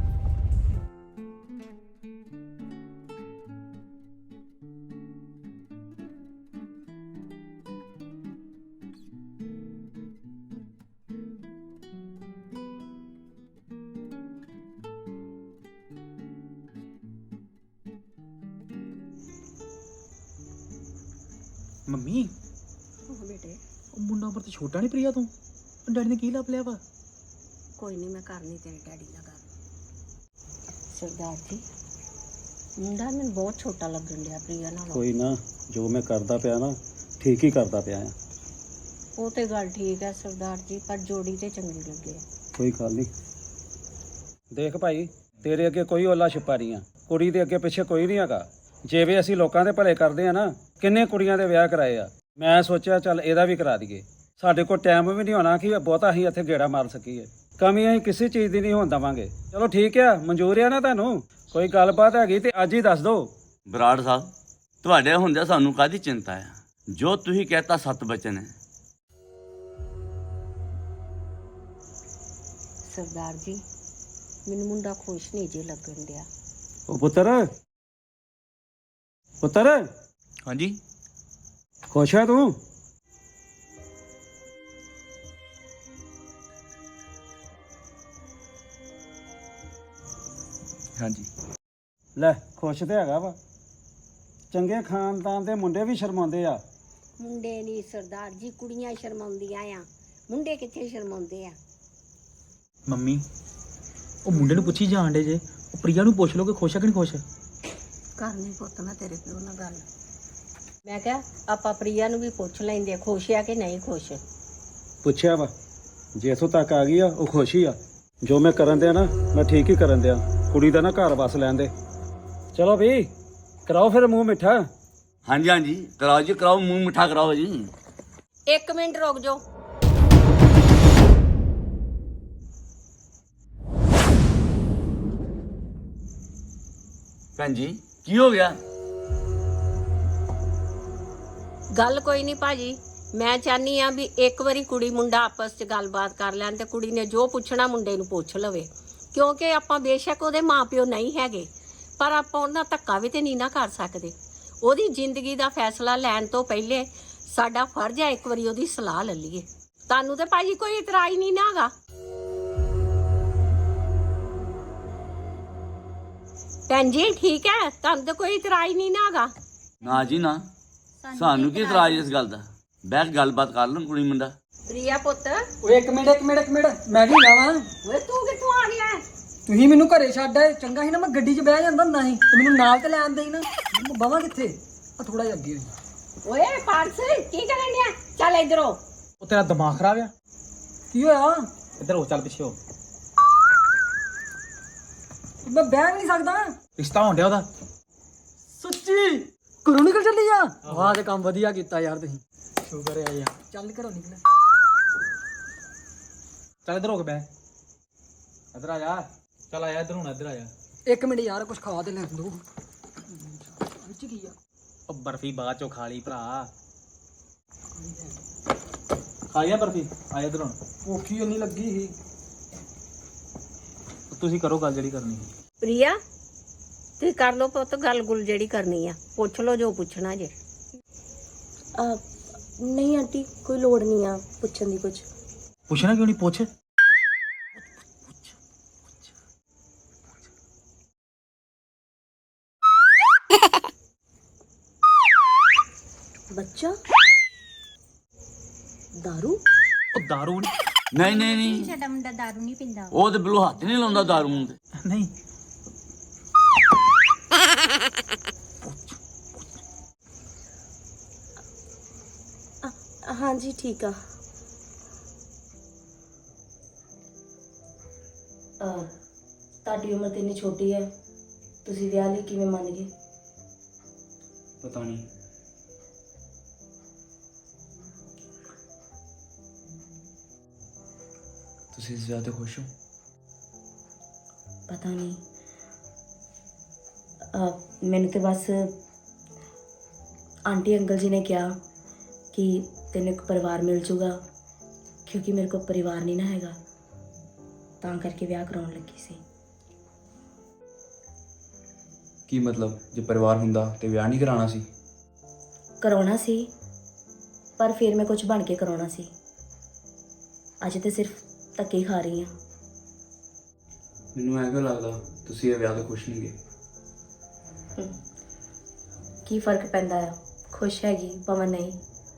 S6: ਮੰਮੀ
S3: ਹਾਂ ਬੇਟੇ,
S6: ਉਹ ਮੁੰਡਾ ਪਰ ਤੇ ਛੋਟਾ ਨਹੀਂ ਪ੍ਰਿਆ ਤੂੰ, ਡੈਡੀ ਨੇ ਕੀ ਲੱਭ ਲਿਆ ਵਾ?
S3: ਕੋਈ ਨਹੀਂ, ਮੈਂ ਕਰਨੀ ਤੇਰੇ ਡੈਡੀ ਨਾਲ ਗੱਲ। ਸਰਦਾਰ ਜੀ, ਮੁੰਡਾ ਮੈਨੂੰ ਬਹੁਤ ਛੋਟਾ ਲੱਗਣ ਡਿਆ ਪ੍ਰਿਆ ਨਾਲੋਂ।
S7: ਕੋਈ ਨਾ, ਜੋ ਮੈਂ ਕਰਦਾ ਪਿਆ ਨਾ ਠੀਕ ਹੀ ਕਰਦਾ ਪਿਆ ਆ।
S3: ਉਹ ਤੇ ਗੱਲ ਠੀਕ ਹੈ ਸਰਦਾਰ ਜੀ, ਪਰ ਜੋੜੀ ਤੇ ਚੰਗੀ ਲੱਗੇ।
S7: ਕੋਈ ਗੱਲ ਨਹੀਂ। ਦੇਖ ਭਾਈ, ਤੇਰੇ ਅੱਗੇ ਕੋਈ ਓਲਾ ਛੁਪਾ ਨਹੀਂ ਆ, ਕੁੜੀ ਦੇ ਅੱਗੇ ਪਿੱਛੇ ਕੋਈ ਨਹੀਂ ਹੈਗਾ। ਜਿਵੇਂ ਅਸੀਂ ਲੋਕਾਂ ਦੇ ਭਲੇ ਕਰਦੇ ਆ ਨਾ, ਕਿੰਨੇ ਕੁੜੀਆਂ ਦੇ ਵਿਆਹ ਕਰਾਏ ਆ। ਮੈਂ ਸੋਚਿਆ ਚੱਲ ਇਹਦਾ ਵੀ ਕਰਾ ਦਈਏ। ਸਾਡੇ ਕੋਲ ਟਾਈਮ ਵੀ ਨਹੀਂ ਹੋਣਾ ਕਿ ਬਹੁਤਾ ਅਸੀਂ ਇੱਥੇ ਗੇੜਾ ਮਾਰ ਸਕੀਏ। ਕਮੀ ਅਸੀਂ ਕਿਸੇ ਚੀਜ਼ ਦੀ ਨਹੀਂ ਹੋਣ ਦੇਵਾਂਗੇ। ਚਲੋ ਠੀਕ ਆ, ਮਨਜ਼ੂਰ ਆ ਨਾ ਤੁਹਾਨੂੰ? ਕੋਈ ਗੱਲਬਾਤ ਹੈਗੀ ਤੇ ਅੱਜ ਹੀ ਦੱਸ ਦਿਓ।
S8: ਬਰਾੜ ਸਾਹਿਬ, ਤੁਹਾਡੇ ਹੁੰਦਿਆਂ ਸਾਨੂੰ ਕਾਹਦੀ ਚਿੰਤਾ ਹੈ? ਜੋ ਤੁਸੀਂ ਕਹਤਾ ਸਤ ਬਚਨ ਹੈ।
S3: ਸਰਦਾਰ ਜੀ, ਮੈਨੂੰ ਮੁੰਡਾ ਖੁਸ਼ ਨਹੀਂ ਜੇ ਲੱਗਣ ਡਿਆ।
S7: ਉਹ ਪੁੱਤਰ ਪੁੱਤਰ
S8: ਹਾਂਜੀ
S7: ਖੁਸ਼ ਹੈ ਤੂੰ?
S8: ਹਾਂਜੀ
S7: ਲੈ, ਖੁਸ਼ ਤੇ ਹੈਗਾ ਵਾ। ਚੰਗੇ ਖਾਨਦਾਨ ਦੇ ਮੁੰਡੇ ਵੀ ਸ਼ਰਮਾਉਂਦੇ ਆ
S3: ਮੁੰਡੇ ਨਹੀਂ ਸਰਦਾਰ ਜੀ, ਕੁੜੀਆਂ ਸ਼ਰਮਾਉਂਦੀਆਂ ਆ, ਮੁੰਡੇ ਕਿੱਥੇ ਸ਼ਰਮਾਉਂਦੇ ਆ।
S6: ਮੰਮੀ ਉਹ ਮੁੰਡੇ ਨੂੰ ਪੁੱਛੀ ਜਾਣ ਡੇ ਜੇ, ਉਹ ਪ੍ਰਿਆ ਨੂੰ ਪੁੱਛ ਲਓ ਕਿ ਖੁਸ਼ ਹੈ ਕਿ ਨਹੀਂ ਖੁਸ਼।
S3: ਕਰਨੀ ਪੁੱਤ ਮੈਂ ਤੇਰੇ ਪਿਓ ਨਾਲ ਗੱਲ। ਮੈਂ ਕਿਹਾ ਆਪਾਂ ਪ੍ਰਿਆ ਨੂੰ ਵੀ ਪੁੱਛ ਲੈਂਦੇ ਖੁਸ਼ ਆ ਕਿ ਨਹੀਂ ਖੁਸ਼।
S7: ਪੁੱਛਿਆ ਵਾ, ਜੇ ਇੱਥੋਂ ਤੱਕ ਆ ਗਈ ਆ ਉਹ ਖੁਸ਼ ਹੀ ਆ। ਜੋ ਮੈਂ ਕਰਨ ਦਿਆ ਨਾ ਮੈਂ ਠੀਕ ਹੀ ਕਰਨ ਦਿਆ। ਕੁੜੀ ਦਾ ਨਾ ਘਰ ਵਸ ਲੈਣ ਦੇ। ਚਲੋ ਵੀ ਕਰਾਓ ਫਿਰ ਮੂੰਹ ਮਿੱਠਾ।
S8: ਹਾਂਜੀ ਹਾਂਜੀ ਕਰਾਓ ਜੀ, ਕਰਾਓ ਮੂੰਹ ਮਿੱਠਾ ਕਰਾਓ ਜੀ।
S3: ਇੱਕ ਮਿੰਟ ਰੁਕ ਜਾਓ।
S8: ਭੈਣ ਜੀ ਕੀ ਹੋ ਗਿਆ?
S3: ਗੱਲ ਕੋਈ ਨਹੀਂ ਭਾਜੀ, ਮੈਂ ਚਾਹਨੀ ਆ ਵੀ ਇੱਕ ਵਾਰੀ ਕੁੜੀ ਮੁੰਡਾ ਆਪਸ 'ਚ ਗੱਲਬਾਤ ਕਰ ਲੈਣ ਤੇ ਕੁੜੀ ਨੇ ਜੋ ਪੁੱਛਣਾ ਮੁੰਡੇ ਨੂੰ ਪੁੱਛ ਲਵੇ, ਕਿਉਂਕਿ ਆਪਾਂ ਬੇਸ਼ੱਕ ਉਹਦੇ ਮਾਪਿਓ ਨਹੀਂ ਹੈਗੇ ਪਰ ਆਪਾਂ ਉਹਨਾਂ ਧੱਕਾ ਵੀ ਤੇ ਨਹੀਂ ਨਾ ਕਰ ਸਕਦੇ। ਉਹਦੀ ਜ਼ਿੰਦਗੀ ਦਾ ਫੈਸਲਾ ਲੈਣ ਤੋਂ ਪਹਿਲੇ ਸਾਡਾ ਫਰਜ਼ ਹੈ ਇੱਕ ਵਾਰੀ ਉਹਦੀ ਸਲਾਹ ਲੈ ਲਈਏ। ਤੁਹਾਨੂੰ ਤੇ ਭਾਜੀ ਕੋਈ ਇਤਰਾਜ਼ ਨਹੀਂ ਨਾ ਹੈਗਾ? ਭੈਣ ਜੀ ਠੀਕ ਹੈ, ਤੁਹਾਨੂੰ ਤੇ ਕੋਈ ਇਤਰਾਜ਼ ਨਹੀਂ ਨਾ ਹੈਗਾ?
S8: ਨਾ ਜੀ ਨਾ, ਸਾਨੂੰ ਕੀ ਇਤਰਾਜ਼ ਇਸ ਗੱਲ ਦਾ। ਬੈਠ ਗੱਲਬਾਤ ਕਰ ਲੈਣ ਕੁੜੀ ਮੁੰਡਾ।
S3: ਪ੍ਰਿਆ ਪੁੱਤ,
S9: ਓਏ ਇੱਕ ਮਿੰਟ ਇੱਕ ਮਿੰਟ ਇੱਕ ਮਿੰਟ ਮੈਂ ਵੀ ਜਾਵਾਂ।
S3: ਓਏ ਤੂੰ ਕਿੱਥੋਂ ਆ ਗਿਆ?
S9: ਤੁਸੀਂ ਮੈਨੂੰ ਘਰੇ ਛੱਡ ਆਏ, ਚੰਗਾ ਸੀ ਨਾ ਮੈਂ ਗੱਡੀ 'ਚ ਬਹਿ ਜਾਂਦਾ ਹੁੰਦਾ ਸੀ ਤੇ ਮੈਨੂੰ ਨਾਲ ਤੇ ਲੈਣ ਦੇਈ ਨਾ। ਬਵਾਂ ਕਿੱਥੇ ਆ, ਥੋੜਾ ਜਿਹਾ ਅੱਗੇ ਹੋਈ।
S3: ਓਏ ਪਾਰਸ ਕੀ ਕਰਨ ਡਿਆ? ਚੱਲ ਇਧਰੋਂ।
S6: ਉਹ ਤੇਰਾ ਦਿਮਾਗ ਖਰਾਬ ਆ?
S9: ਕੀ ਹੋਇਆ?
S6: ਇੱਧਰ ਹੋ, ਚੱਲ ਪਿੱਛੇ ਹੋ।
S9: ਮੈਂ ਬਹਿ ਵੀ ਨਹੀਂ ਸਕਦਾ।
S6: ਰਿਸ਼ਤਾ ਹੋਣ ਡਿਆ ਉਹਦਾ।
S9: ਸੱਚੀ ਘਰੋਂ ਨਿਕਲ ਚੱਲੀ ਆ? ਵਾਹ ਤੇ ਕੰਮ ਵਧੀਆ ਕੀਤਾ ਯਾਰ ਤੁਸੀਂ।
S6: ਸ਼ੁਕਰ ਹੈ ਯਾਰ।
S9: ਚੱਲ ਘਰੋਂ ਨਿਕਲ।
S6: ਚੱਲ ਇੱਧਰ ਹੋ ਕੇ ਬਹਿ। ਇੱਧਰ ਆ ਜਾ। ਚੱਲ ਆਇਆ ਇੱਧਰ, ਹੁਣ ਇੱਧਰ ਆ ਜਾ।
S9: ਇੱਕ ਮਿੰਟ ਯਾਰ ਕੁਝ ਖਾ ਤੇ ਲੈਣ ਦੋ। ਵਿੱਚ ਕੀ ਆ?
S6: ਉਹ ਬਰਫੀ ਬਾਅਦ ਚੋਂ ਖਾ ਲਈ ਭਰਾ। ਖਾ ਲਿਆ ਬਰਫੀ? ਆ ਇੱਧਰ ਹੁਣ।
S9: ਭੁੱਖੀ ਨਹੀਂ ਲੱਗੀ ਸੀ।
S6: ਤੁਸੀਂ ਕਰੋ ਗੱਲ ਜਿਹੜੀ ਕਰਨੀ ਹੈ।
S3: ਪ੍ਰਿਆ ਤੁਸੀਂ ਕਰ ਲਓ ਪੁੱਤ ਗੱਲ ਗੁੱਲ ਜਿਹੜੀ ਕਰਨੀ ਆ, ਪੁੱਛ ਲਓ ਜੋ ਪੁੱਛਣਾ ਜੇ।
S1: ਅਹ, ਨਹੀਂ ਆਂਟੀ ਕੋਈ ਲੋੜ ਨਹੀਂ ਆ ਪੁੱਛਣ ਦੀ ਕੁਝ।
S6: ਪੁੱਛਣਾ ਕਿਉਂ ਨਹੀਂ? ਪੁੱਛ।
S1: ਬੱਚਾ ਦਾਰੂ?
S6: ਉਹ ਦਾਰੂ ਨਹੀਂ।
S8: ਨਹੀਂ ਨਹੀਂ ਨਹੀਂ,
S10: ਸਾਡਾ ਮੁੰਡਾ ਦਾਰੂ ਨਹੀਂ ਪੀਂਦਾ।
S8: ਉਹ ਤੇ ਬਿਲਕੁਲ ਹੱਥ ਨਹੀਂ ਲਾਉਂਦਾ ਦਾਰੂ ਨੂੰ ਤੇ।
S6: ਨਹੀਂ।
S1: ਅ- ਹਾਂਜੀ ਠੀਕ ਆ। ਅਹ, ਤੁਹਾਡੀ ਉਮਰ ਤੇ ਇੰਨੀ ਛੋਟੀ ਹੈ, ਤੁਸੀਂ ਵਿਆਹ ਲਈ ਕਿਵੇਂ ਮੰਨ ਗਏ?
S6: ਪਤਾ ਨਹੀਂ। ਤੁਸੀਂ ਇਸ ਵਿਆਹ ਤੇ ਖੁਸ਼ ਹੋ?
S1: ਪਤਾ ਨਹੀਂ। ਅਹ, ਮੈਨੂੰ ਤੇ ਬਸ ਆਂਟੀ ਅੰਕਲ ਜੀ ਨੇ ਕਿਹਾ ਕਿ ਤੈਨੂੰ ਇੱਕ ਪਰਿਵਾਰ ਮਿਲ ਜੂਗਾ, ਕਿਉਂਕਿ ਮੇਰੇ ਕੋਲ ਪਰਿਵਾਰ ਨਹੀਂ ਨਾ ਹੈਗਾ, ਤਾਂ ਕਰਕੇ ਵਿਆਹ ਕਰਾਉਣ ਲੱਗੀ ਸੀ।
S11: ਕੀ ਮਤਲਬ, ਜੇ ਪਰਿਵਾਰ ਹੁੰਦਾ ਤੇ ਵਿਆਹ ਨਹੀਂ ਕਰਾਉਣਾ ਸੀ?
S1: ਕਰਾਉਣਾ ਸੀ, ਪਰ ਫਿਰ ਮੈਂ ਕੁਝ ਬਣ ਕੇ ਕਰਾਉਣਾ ਸੀ। ਅੱਜ ਤੇ ਸਿਰਫ ਧੱਕੇ ਖਾ ਰਹੀ ਹਾਂ।
S11: ਮੈਨੂੰ ਐਂ ਕਿਉਂ ਲੱਗਦਾ ਤੁਸੀਂ ਇਹ ਵਿਆਹ ਤੋਂ ਖੁਸ਼ ਨਹੀਂ ਗਏ?
S1: ਕੀ ਫਰਕ ਪੈਂਦਾ ਆ, ਖੁਸ਼ ਹੈਗੀ ਭਾਵੇਂ ਨਹੀਂ।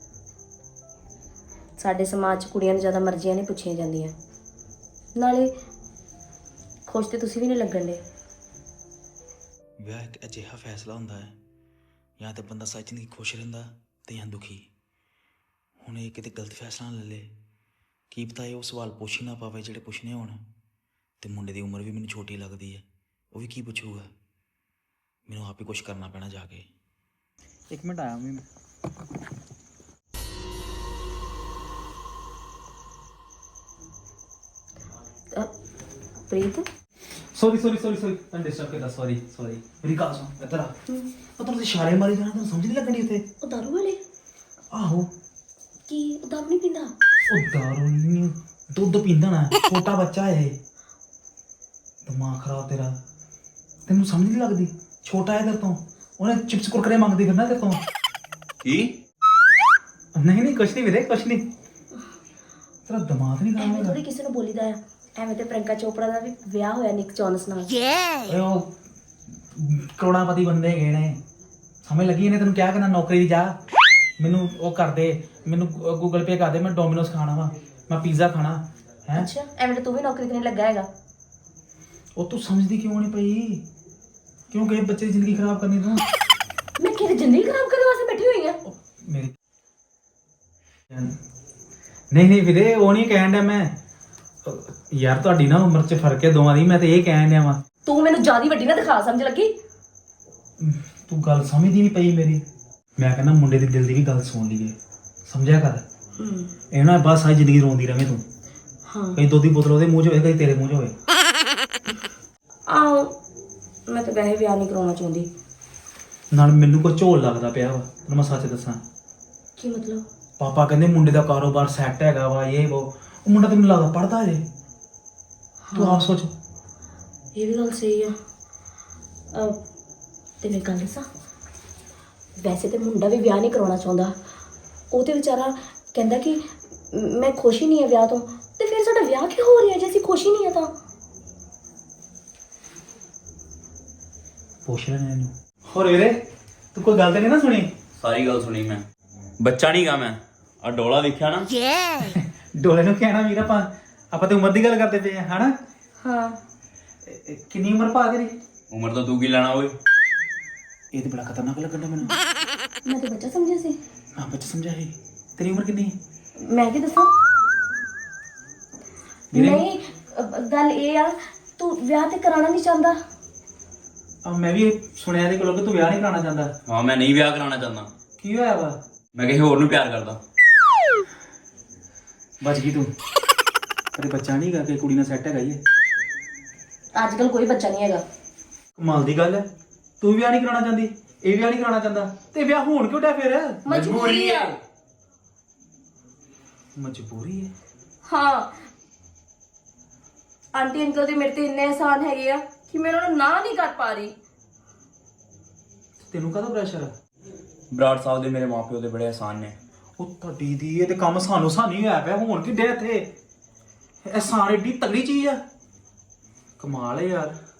S1: ਸਾਡੇ ਸਮਾਜ 'ਚ ਕੁੜੀਆਂ ਨੂੰ ਜ਼ਿਆਦਾ ਮਰਜ਼ੀਆਂ ਨਹੀਂ ਪੁੱਛੀਆਂ ਜਾਂਦੀਆਂ, ਨਾਲੇ ਖੁਸ਼ ਤੇ ਤੁਸੀਂ ਵੀ ਨਹੀਂ ਲੱਗਣ ਦੇ।
S6: ਵਿਆਹ ਇੱਕ ਅਜਿਹਾ ਫੈਸਲਾ ਹੁੰਦਾ ਹੈ, ਜਾਂ ਤਾਂ ਬੰਦਾ ਸੱਚ ਨਹੀਂ ਖੁਸ਼ ਰਹਿੰਦਾ ਤੇ ਜਾਂ ਦੁਖੀ। ਹੁਣ ਇਹ ਕਿਤੇ ਗਲਤ ਫੈਸਲਾ ਨਾ ਲੈ ਲੇ। ਕੀ ਪਤਾ ਇਹ ਉਹ ਸਵਾਲ ਪੁੱਛ ਹੀ ਨਾ ਪਾਵੇ ਜਿਹੜੇ ਪੁੱਛਣੇ ਹੋਣ। ਤੇ ਮੁੰਡੇ ਦੀ ਉਮਰ ਵੀ ਮੈਨੂੰ ਛੋਟੀ ਲੱਗਦੀ ਹੈ, ਉਹ ਵੀ ਕੀ ਪੁੱਛੂਗਾ। ਮੈਨੂੰ ਆਪ ਹੀ ਕੁਛ ਕਰਨਾ ਪੈਣਾ ਜਾ ਕੇ।
S5: ਇੱਕ ਮਿੰਟ ਆਇਆ ਮੈਂ।
S1: ਅ, Preet
S6: sorry sorry sorry sorry ਤੈਨੂੰ ਡਿਸਟਰਬ ਕੀਤਾ। Sorry sorry. ਮੇਰੀ ਗੱਲ ਸੁਣ, ਇੱਧਰ ਆ। ਉਹ ਤੁਹਾਨੂੰ ਇਸ਼ਾਰੇ ਮਾਰੀ ਜਾਣਾ, ਤੈਨੂੰ ਸਮਝ ਨਹੀਂ ਲੱਗਣੀ ਉੱਥੇ।
S1: ਉਹ ਦਾਰੂ ਵਾਲੇ?
S6: ਆਹੋ।
S1: ਕੀ ਉਹ ਦਾਰੂ ਨਹੀਂ ਪੀਂਦਾ?
S6: ਉਹ ਦਾਰੂ ਨਹੀਂ, ਦੁੱਧ ਪੀਂਦਾ ਨਾ। ਛੋਟਾ ਬੱਚਾ ਹੈ ਇਹ। ਦਿਮਾਗ ਖਰਾਬ ਤੇਰਾ, ਤੈਨੂੰ ਸਮਝ ਨਹੀਂ ਲੱਗਦੀ। ਛੋਟਾ ਹੈ ਤੇਰੇ ਤੋਂ, ਉਹਨੇ ਚਿਪਸ ਕੁਰਕਰੇ ਮੰਗਦੀ ਫਿਰਨਾ ਤੇਰੇ ਤੋਂ।
S8: ਕੀ?
S6: ਨਹੀਂ ਨਹੀਂ ਕੁਛ ਨਹੀਂ ਵੀਰੇ, ਕੁਛ ਨਹੀਂ। ਤੇਰਾ ਦਿਮਾਗ ਨਹੀਂ ਖਰਾਬ
S1: ਐਵੇਂ ਥੋੜੀ ਕਿਸੇ ਨੂੰ ਬੋਲੀਦਾ ਆ। ਐਵੇਂ ਤੇ ਪ੍ਰਿਯੰਕਾ ਚੋਪੜਾ ਦਾ ਵੀ ਵਿਆਹ ਹੋਇਆ ਨਿਕ ਜੋਨਸ ਨਾਲ।
S6: ਓਏ ਉਹ ਕਰੋੜਾਪਤੀ ਬੰਦੇ ਗਏ ਨੇ, ਸਮਝ ਲੱਗੀ ਇਹਨੇ ਤੈਨੂੰ ਕਿਹਾ ਕਿ ਨਾ ਨੌਕਰੀ ਦੀ ਜਾ। ਮੈਨੂੰ ਉਹ ਕਰ ਦੇ, ਮੈਨੂੰ ਗੂਗਲ ਪੇ ਕਰ ਦੇ, ਮੈਂ ਡੋਮਿਨੋਸ ਖਾਣਾ ਵਾ, ਮੈਂ ਪੀਜ਼ਾ ਖਾਣਾ ਹੈ।
S1: ਅੱਛਾ ਐਵੇਂ ਤਾਂ ਤੂੰ ਵੀ ਨੌਕਰੀ ਤੇ ਨਹੀਂ ਲੱਗਾ ਹੈਗਾ।
S6: ਉਹ ਤੂੰ ਸਮਝਦੀ ਕਿਉਂ ਨਹੀਂ ਪਈ? ਕਿਉਂ ਕਿਸੇ ਬੱਚੇ ਦੀ ਜ਼ਿੰਦਗੀ ਖਰਾਬ ਕਰਨੀ ਤੂੰ?
S1: ਮੈਂ ਕਿਹਦੀ ਜ਼ਿੰਦਗੀ ਖਰਾਬ ਕਰਨ ਵਾਸਤੇ ਬੈਠੀ ਹੋਈ ਆ?
S6: ਮੇਰੀ ਨਹੀਂ ਨਹੀਂ ਵੀਰੇ, ਉਹ ਨਹੀਂ ਕਹਿਣ ਡਿਆ ਮੈਂ। ਯਾਰ ਤੁਹਾਡੀ ਨਾ ਉਮਰ 'ਚ ਫਰਕ ਹੈ ਦੋਵਾਂ ਦੀ, ਮੈਂ ਤੇ ਇਹ ਕਹਿਣ ਡਿਆ ਵਾਂ।
S1: ਤੂੰ ਮੈਨੂੰ ਜਿਆਦਾ ਵੱਡੀ ਨਾ ਦਿਖਾ ਸਮਝ ਲੱਗੀ।
S6: ਤੂੰ ਗੱਲ ਸਮਝਦੀ ਨਹੀਂ ਪਈ ਮੇਰੀ। ਮੈਂ ਕਹਿੰਦਾ ਮੁੰਡੇ ਦੇ ਦਿਲ ਦੀ ਵੀ ਗੱਲ ਸੁਣ ਲਈਏ, ਸਮਝਿਆ ਕਰ।
S1: ਹੂੰ
S6: ਇਹ ਨਾ ਬਸ ਸਾਰੀ ਜ਼ਿੰਦਗੀ ਰੋਂਦੀ ਰਵੇਂ ਤੂੰ।
S1: ਹਾਂ
S6: ਕਈ ਦੁੱਧ ਦੀ ਬੋਤਲ ਉਹਦੇ ਮੂੰਹ 'ਚ ਹੋਵੇ, ਕਈ ਤੇਰੇ ਮੂੰਹ 'ਚ ਹੋਵੇ।
S1: ਆਹੋ ਮੈਂ ਤਾਂ ਵੈਸੇ ਵਿਆਹ ਨਹੀਂ ਕਰਾਉਣਾ ਚਾਹੁੰਦੀ।
S6: ਨਾਲ ਮੈਨੂੰ ਕੋਈ ਝੋਲ ਲੱਗਦਾ ਪਿਆ ਵਾ, ਤੈਨੂੰ ਮੈਂ ਸੱਚ ਦੱਸਾਂ।
S1: ਕੀ ਮਤਲਬ?
S6: ਪਾਪਾ ਕਹਿੰਦੇ ਮੁੰਡੇ ਦਾ ਕਾਰੋਬਾਰ ਸੈੱਟ ਹੈਗਾ ਵਾ, ਇਹ ਉਹ। ਉਹ ਮੁੰਡਾ ਤੈਨੂੰ ਲੱਗਦਾ ਪੜਦਾ ਜੇ? ਤੂੰ ਆਪ ਸੋਚ।
S1: ਇਹ ਵੀ ਗੱਲ ਸਹੀ ਆ। ਅਹ, ਤੇ ਮੈਂ ਗੱਲ ਦੱਸਾਂ, ਵੈਸੇ ਤੇ ਮੁੰਡਾ ਵੀ ਵਿਆਹ ਨਹੀਂ ਕਰਾਉਣਾ ਚਾਹੁੰਦਾ। ਉਹ ਤੇ ਵਿਚਾਰਾ ਕਹਿੰਦਾ ਕਿ ਮੈਂ ਖੁਸ਼ ਹੀ ਨਹੀਂ ਆ ਵਿਆਹ ਤੋਂ। ਤੇ ਫਿਰ ਸਾਡਾ ਵਿਆਹ ਕਿਉਂ ਹੋ ਰਿਹਾ ਜੇ ਅਸੀਂ ਖੁਸ਼ ਹੀ ਨਹੀਂ ਆ ਤਾਂ?
S6: ਪੁੱਛ ਲੈਣੇ ਇਹਨੂੰ। ਹੋਰ ਵੀਰੇ ਤੂੰ ਕੋਈ ਗੱਲ ਤੇ ਨਹੀਂ ਨਾ ਸੁਣੀ?
S8: ਸਾਰੀ ਗੱਲ ਸੁਣੀ ਮੈਂ। ਬੱਚਾ ਨਹੀਂ ਗਾ ਮੈਂ, ਆ ਡੋਲਾ ਵੇਖਿਆ ਨਾ?
S6: ਡੋਲੇ ਨੂੰ ਕਹਿਣਾ ਵੀਰ, ਆਪਾਂ ਆਪਾਂ ਤੇ ਉਮਰ ਦੀ ਗੱਲ ਕਰਦੇ ਪਏ ਆ ਹਨਾ।
S1: ਹਾਂ
S6: ਇਹ- ਇਹ ਕਿੰਨੀ ਉਮਰ ਪਾ ਤੇਰੀ?
S8: ਉਮਰ ਤਾਂ ਤੂੰ ਕੀ ਲੈਣਾ ਓਏ?
S6: ਇਹ ਤੇ ਬੜਾ ਖਤਰਨਾਕ ਲੱਗਣ ਡਿਆ ਮੈਨੂੰ।
S1: ਮੈਂ ਤਾਂ ਬੱਚਾ ਸਮਝਿਆ ਸੀ।
S6: ਹਾਂ ਬੱਚਾ ਸਮਝਿਆ ਸੀ। ਤੇਰੀ ਉਮਰ ਕਿੰਨੀ ਹੈ?
S1: ਮੈਂ ਕੀ ਦੱਸਾਂ?
S6: ਵੀਰੇ-
S1: ਨਹੀਂ ਅਹ, ਗੱਲ ਇਹ ਆ ਤੂੰ ਵਿਆਹ ਤੇ ਕਰਾਉਣਾ ਨਹੀਂ ਚਾਹੁੰਦਾ।
S6: ਆ ਮੈਂ ਵੀ ਸੁਣਿਆ ਇਹਦੇ ਕੋਲੋਂ ਕਿ ਤੂੰ ਵਿਆਹ ਨਹੀਂ ਕਰਾਉਣਾ ਚਾਹੁੰਦਾ।
S8: ਹਾਂ ਮੈਂ ਨਹੀਂ ਵਿਆਹ ਕਰਾਉਣਾ ਚਾਹੁੰਦਾ।
S6: ਕੀ ਹੋਇਆ ਵਾ?
S8: ਮੈਂ ਕਿਸੇ ਹੋਰ ਨੂੰ ਪਿਆਰ ਕਰਦਾ।
S6: ਬਚ ਗਈ ਤੂੰ। ਕਦੇ ਬੱਚਾ ਨਹੀਂ ਗਾ ਕਿ ਕੁੜੀ ਨਾਲ ਸੈੱਟ ਹੈਗਾ ਹੀ ਹੈ।
S1: ਅੱਜ ਕੱਲ ਕੋਈ ਬੱਚਾ ਨਹੀਂ ਹੈਗਾ।
S6: ਕਮਾਲ ਦੀ ਗੱਲ ਹੈ। ਤੂੰ ਵਿਆਹ ਨਹੀਂ ਕਰਾਉਣਾ ਚਾਹੁੰਦੀ, ਇਹ ਵਿਆਹ ਨਹੀਂ ਕਰਾਉਣਾ ਚਾਹੁੰਦਾ, ਤੇ ਵਿਆਹ ਹੋਣ ਕਿਉਂ ਡਿਆ ਫਿਰ?
S1: ਮਜਬੂਰੀ ਆ।
S6: ਮਜਬੂਰੀ ਹੈ?
S1: ਹਾਂ ਆਂਟੀ ਅੰਕਲ ਦੇ ਮੇਰੇ ਤੇ ਇੰਨੇ ਆਸਾਨ ਹੈਗੇ ਆ ਕਿ ਮੈਂ ਉਹਨਾਂ ਨੂੰ ਨਾ ਨਹੀਂ ਕਰ ਪਾ ਰਹੀ।
S6: ਤੈਨੂੰ ਕਾਹਦਾ ਪ੍ਰੈਸ਼ਰ ਆ?
S8: ਬਰਾੜ ਸਾਹਿਬ ਦੇ ਮੇਰੇ ਮਾਪਿਓ ਦੇ ਬੜੇ ਆਸਾਨ ਨੇ।
S6: ਉਹ ਤੁਹਾਡੀ ਦੀ ਇਹ ਤੇ ਕੰਮ ਸਾਨੂੰ ਸਾਨੂੰ ਹੀ ਹੋਇਆ ਪਿਆ। ਹੁਣ ਕਿੱਡੇ ਇੱਥੇ? ਇਹ ਸਾਰੀ ਏਡੀ ਤਗੜੀ ਚੀਜ਼ ਆ। ਕਮਾਲ ਹੈ ਯਾਰ।